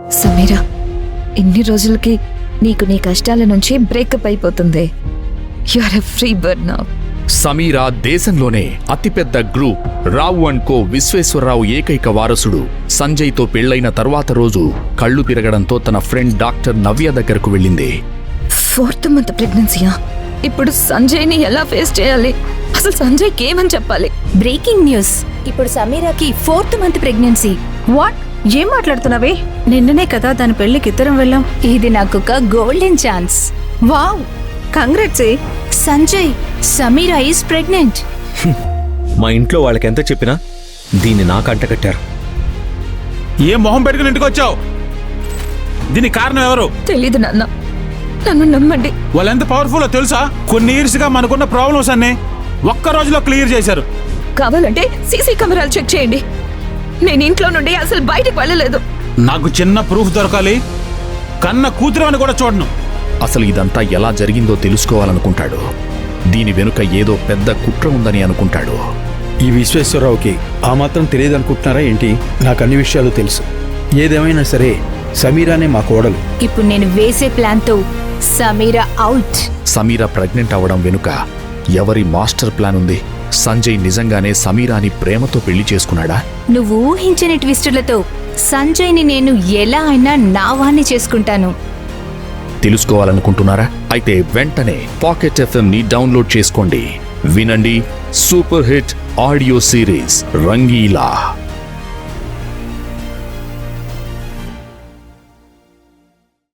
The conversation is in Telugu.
సమీరా, ఇన్ని రోజులకి నీకు నీ కష్టాల నుంచి బ్రేకప్ అయిపోతుంది. You are a free bird now. Sameera దేశంలోనే అతిపెద్ద group Rao and co Visweswararao ఏకైక వారసుడు సంజయ్తో పెళ్లైన తర్వాత రోజు కళ్ళు తిరగడంతో తన ఫ్రెండ్ డాక్టర్ నవ్య దగ్గరకు వెళ్ళింది. 4th month ప్రెగ్నెన్సీయా? ఇప్పుడు సంజయ్ని ఎలా ఫేస్ చేయాలి? అసలు సంజయ్కి ఏమని చెప్పాలి? బ్రేకింగ్ న్యూస్, ఇప్పుడు సమీరాకి 4th మంత్ ప్రెగ్నెన్సీ. వాట్? ఏం మాట్లాడుతున్నావే? నిన్ననే కదా దాని పెళ్లికి ఇద్దరం వెళ్ళాం. ఇది నాకొక golden chance. Wow, congrats. Sanjay, Sameera is pregnant. మా ఇంట్లో వాళ్ళకి ఎంత చెప్పినా దీన్ని నాకు అంటకట్టారు. ఏం మొహం పెట్టుకుని ఇంటికి వచ్చావు? దీనికి కారణం ఎవరు? తెలీదు నాన్న, నన్ను నమ్మండి. వాళ్ళు ఎంత పవర్ఫుల్లో తెలుసా? కొన్ని ఇయర్స్ గా మనకున్న ప్రాబ్లమ్స్ అన్ని ఒక్క రోజులో క్లియర్ చేశారు. కావాలంటే సీసీ కెమెరాలు చెక్ చేయండి. నేను ఇంట్లో నుండి అసలు బయటకు వెళ్ళలేదు. నాకు చిన్న ప్రూఫ్ దొరకాలి. కన్న కూతురు అని కూడా చూడను. అసలు ఇదంతా ఎలా జరిగిందో తెలుసుకోవాలనుకుంటాడు. దీని వెనుక ఏదో పెద్ద కుట్ర ఉందని అనుకుంటాడు. ఈ విశ్వేశ్వరరావుకి ఆ మాత్రం తెలియదనుకుంటున్నారా ఏంటి? నాకు అన్ని విషయాలు తెలుసు. ఏదేమైనా సరే సమీరానే మా కోడలు. ఇప్పుడు నేను వేసే ప్లాన్తో సమీరా అవుట్. సమీరా ప్రెగ్నెంట్ అవ్వడం వెనుక ఎవరి మాస్టర్ ప్లాన్ ఉంది? సంజయ్ నిజంగానే సమీరాని ప్రేమతో పెళ్లి చేసుకున్నాడా? నువ్వు ఊహించని ట్విస్టులతో సంజయ్ని నేను ఎలా అయినా నా వాణ్ణి చేసుకుంటాను. తెలుసుకోవాలనుకుంటున్నారా? అయితే వెంటనే పాకెట్ FM ని డౌన్లోడ్ చేసుకోండి. వినండి super hit audio series Rangeela.